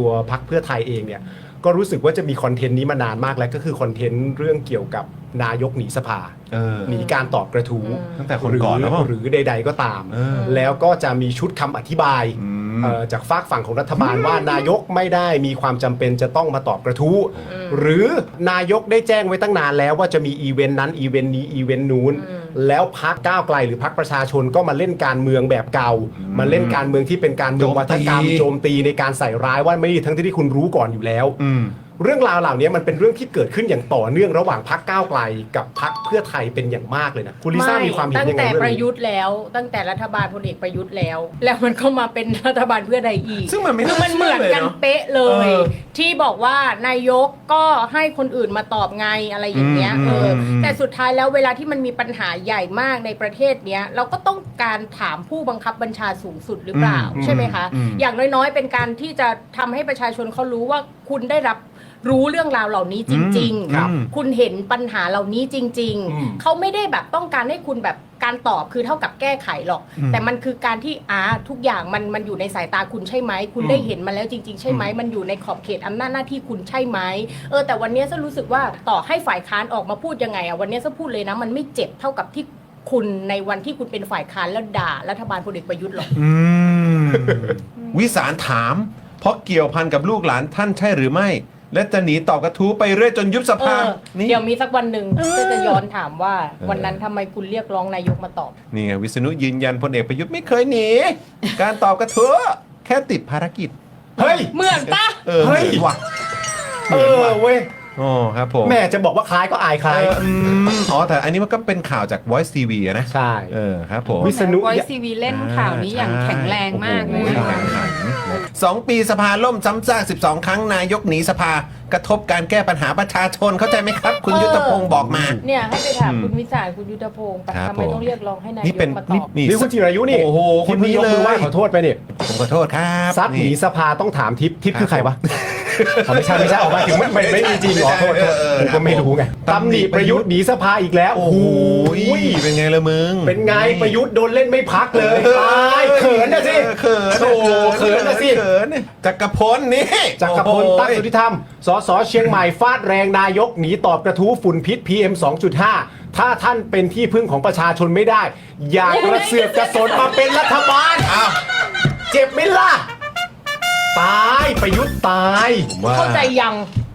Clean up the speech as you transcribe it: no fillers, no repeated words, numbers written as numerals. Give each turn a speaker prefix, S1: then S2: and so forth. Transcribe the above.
S1: ตัวพรรคเพื่อไทยเองเนี่ยก็รู้สึกว่าจะมีคอนเทนต์นี้มานานมากแล้วก็คือคอนเทนต์เรื่องเกี่ยวกับนายกหนีสภาหนีการตอบกระทู้
S2: ตั้งแต่คนก่อนแล้ว
S1: หรือใดๆก็ตาม แล้วก็จะมีชุดคำอธิบายจากฝากฝั่งของรัฐบาลว่านายกไม่ได้มีความจำเป็นจะต้องมาตอบกระทู้หรือนายกได้แจ้งไว้ตั้งนานแล้วว่าจะมีอีเวนต์นั้นอีเวนต์นี้อีเวนต์นู้นแล้วพรรคก้าวไกลหรือพรรคประชาชนก็มาเล่นการเมืองแบบเก่ามาเล่นการเมืองที่เป็นการเมืองวัฒกรรมโจมตีในการใส่ร้ายว่าไม่ดีทั้งที่คุณรู้ก่อนอยู่แล้วเรื่องราวเหล่านี้มันเป็นเรื่องที่เกิดขึ้นอย่างต่อเนื่องระหว่างพรรคก้าวไกลกับพรรคเพื่อไทยเป็นอย่างมากเลยนะคุณลิซ่ามีความเห็นยังไง
S3: ตั้งแต่
S1: เรื่อง
S3: ประ
S1: นี้
S3: ยุทธ์แล้วตั้งแต่รัฐบาลพลเอกประยุทธ์แล้วมันก็มาเป็นรัฐบาลเพื่อไทยอีก
S2: ซึ่งมันไม่
S3: คือมันเหมือนกันเป๊ะเลย ที่บอกว่านายกก็ให้คนอื่นมาตอบไงอะไรอย่างเงี้ยแต่สุดท้ายแล้วเวลาที่มันมีปัญหาใหญ่มากในประเทศเนี้ยเราก็ต้องการถามผู้บังคับบัญชาสูงสุดหรือเปล่าใช่ไหมคะอย่างน้อยๆเป็นการที่จะทำให้ประชาชนเขารู้ว่าคุณได้รับรู้เรื่องราวเหล่านี้จริงๆคุณเห็นปัญหาเหล่านี้จริงๆเขาไม่ได้แบบต้องการให้คุณแบบการตอบคือเท่ากับแก้ไขหรอกแต่มันคือการที่ทุกอย่างมันอยู่ในสายตาคุณใช่ไหมคุณได้เห็นมาแล้วจริงๆใช่ไหมมันอยู่ในขอบเขตอำนาจหน้าที่คุณใช่ไหมแต่วันนี้ฉันรู้สึกว่าต่อให้ฝ่ายค้านออกมาพูดยังไงวันนี้ฉันพูดเลยนะมันไม่เจ็บเท่ากับที่คุณในวันที่คุณเป็นฝ่ายค้านแล้วด่ารัฐบาลพลเอกประยุทธ์หรอก
S2: วิสารถามเพราะเกี่ยวพันกับลูกหลานท่านใช่หรือไม่และจะหนีตอบกระทู้ไปเรื่อยจนยุบสภานี่
S3: เดี๋ยวมีสักวันหนึ่งจะย้อนถามว่าวันนั้นทำไมคุณเรียกร้องนายกมาตอบ
S2: นี่ไงวิษณุยืนยันพลเอกประยุทธ์ไม่เคยหนีการตอบกระทู้แค่ติดภารกิจ
S1: เฮ้ย
S3: เหมือนปะ
S1: เฮ้ย
S2: ว่ะ
S1: เว้ย
S2: โอ้ครับผม
S1: แม่จะบอกว่าคล้ายก็อายคล้าย
S2: แต่อันนี้มันก็เป็นข่าวจาก Voice TV นะ
S1: ใช่
S2: ครับผม
S4: วิษณุ Voice TV เล่นข่าวนี้อย่างแข็งแรงมากเลย
S2: 2 ปีสภาล่มซ้ำซาก12 ครั้งนายกหนีสภากระทบการแก้ปัญหาประชาชนเข้าใจไหมครับคุณยุทธพงศ์บอกมา
S3: เนี่ยให้ไปถามคุณวิสารคุณยุทธพงศ์ทำไมต้องเรียกร้องให้นายกมาตอบ
S1: นี่คุณจิรายุนี่
S2: โอ้โห
S1: คนนี้เลยว่าขอโทษไปเนี่ย
S2: ผมขอโทษครับ
S1: ซัดหนีสภาต้องถามทิพย์คือใครวะไม่ใช่ออกมาถึงไม่มีจริงขอโทษผมก็ไม่รู้ไงตำหนิประยุทธ์หนีสภาอีกแล้วโอ้โห
S2: เป็นไงละมึง
S1: เป็นไงประยุทธ์โดนเล่นไม่พักเลยตายเขินนะสิ
S2: เขิน
S1: โอ้เขินนะสิ
S2: จักรพลนี่
S1: จักรพลตั้งสุทธิธรรมสสเชียงใหม่ฟาดแรงนายกหนีตอบกระทู้ฝุ่นพิษ PM 2.5 ถ้าท่านเป็นที่พึ่งของประชาชนไม่ได้อย่ากระเสือกกระสนมาเป็นรัฐบาลเจ็บไหมล่ะตายประยุทธ์ตาย
S3: เข้าใจยัง